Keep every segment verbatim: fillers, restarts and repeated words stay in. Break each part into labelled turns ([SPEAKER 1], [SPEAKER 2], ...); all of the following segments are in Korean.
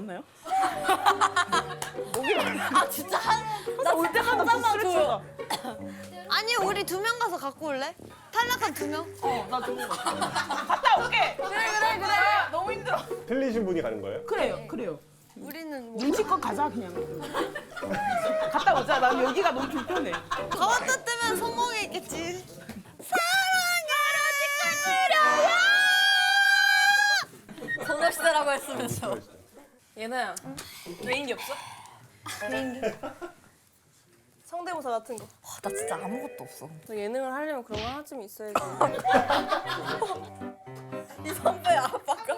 [SPEAKER 1] 괜찮아요?
[SPEAKER 2] 아 진짜 한 나 올 때 한 잔만 줘요.
[SPEAKER 3] 아니 우리 두 명 가서 갖고 올래? 탈락한 두 명?
[SPEAKER 1] 어나 좋은 거 갔다 올게. 그래 그래 그래. 너무 힘들어.
[SPEAKER 4] 틀리신 분이 가는 거예요?
[SPEAKER 1] 그래요 그래요.
[SPEAKER 3] 우리는 뭐
[SPEAKER 1] 눈치껏 가자 그냥. 갔다 오자. 난 여기가 너무 불편해.
[SPEAKER 3] 가왔다 뜨면 성공에 있겠지. 사랑으로
[SPEAKER 2] 소녀시대라고 했으면서.
[SPEAKER 5] 예나야, 개인기 없어?
[SPEAKER 3] 비행기.
[SPEAKER 5] 성대모사 같은 거.
[SPEAKER 2] 와, 나 진짜 아무것도 없어.
[SPEAKER 5] 너 예능을 하려면 그런 거 하나쯤 있어야지.
[SPEAKER 2] 이 선배 아빠가.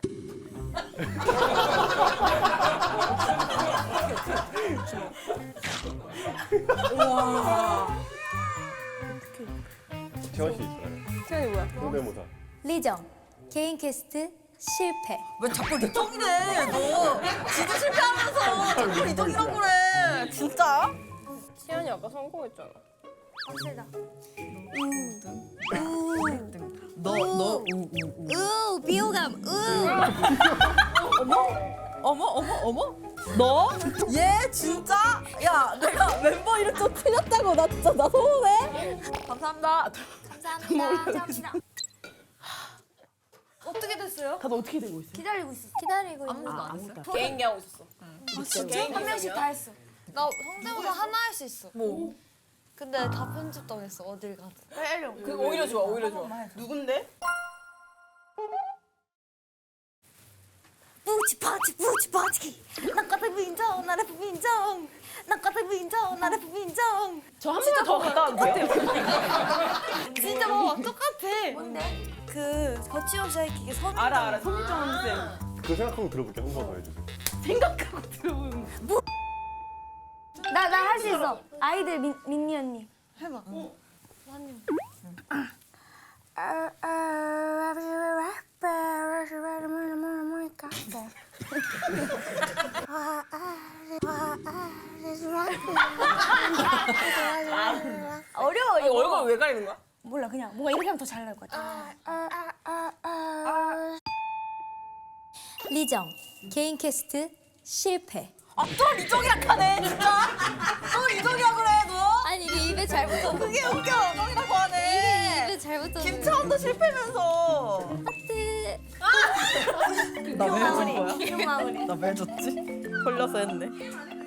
[SPEAKER 4] 채원 씨 있어요?
[SPEAKER 5] 태연이 뭐야?
[SPEAKER 4] 성대모사.
[SPEAKER 6] 리정 개인 캐스트 실패.
[SPEAKER 2] 왜 자꾸 리정이래? 너 지도 실패하면서 자꾸 리정이라고 그래. 진짜?
[SPEAKER 5] 태연이 아까 성공했잖아.
[SPEAKER 2] 너, 너, 우, 우, 우.
[SPEAKER 6] 우 비호감 우.
[SPEAKER 2] 어머, 어머, 어머? 너? 얘 진짜? 야, 내가 멤버 이름 좀 틀렸다고. 나 진짜 나 서운해. 감사합니다.
[SPEAKER 6] 감사합니다. 감사합니다.
[SPEAKER 3] 어떻게 됐어요?
[SPEAKER 1] 다들 어떻게 되고 있어요?
[SPEAKER 6] 기다리고 있어. 기다리고 있는.
[SPEAKER 2] 아무것도 안 했어.
[SPEAKER 5] 개인기 하고 있었어. 개인기
[SPEAKER 6] 한 명씩 다 했어.
[SPEAKER 3] 나 성대모사 하나 할 수 있어.
[SPEAKER 2] 뭐?
[SPEAKER 3] 근데 다 편집 당했어. 어딜 가든.
[SPEAKER 5] 그 오히려 좋아, 오히려 좋아.
[SPEAKER 1] 누군데?
[SPEAKER 6] 뿌치파치 뿌치파치. 나까지 민정 나를 민정. 나까지 민정 나를 민정.
[SPEAKER 1] 저 한 번만 더 갔다 와도 돼요?
[SPEAKER 3] 진짜 뭐 똑같아.
[SPEAKER 6] 뭔데? 그 거침없이 하이킥의 선.
[SPEAKER 1] 알아 알아. 손정 쌤.
[SPEAKER 4] 그 생각하고 들어볼게요. 한 번 더 해주세요.
[SPEAKER 1] 생각하고 들어보는 거.
[SPEAKER 6] 나나 할 수 있어. 아이들 민 민니 언니.
[SPEAKER 3] 해봐.
[SPEAKER 6] 어려워
[SPEAKER 5] 이 얼굴 왜 가리는 거야?
[SPEAKER 6] 몰라 그냥 뭔가 이렇게 하면 더 잘 나올 것 같아. 리정 개인 캐스트 실패.
[SPEAKER 2] 아, 또 리정이랑 하네, 진짜? 또 리정이라 그래, 너?
[SPEAKER 6] 아니 이게 입에 잘 붙어.
[SPEAKER 2] 그게 웃겨, 정이라고 하네.
[SPEAKER 6] 입에 잘 붙어.
[SPEAKER 2] 김차원도 실패면서.
[SPEAKER 6] 하트.
[SPEAKER 2] 나왜
[SPEAKER 6] 마무리. 귀여운 마무리.
[SPEAKER 2] 나왜 줬지? 걸려서 했네.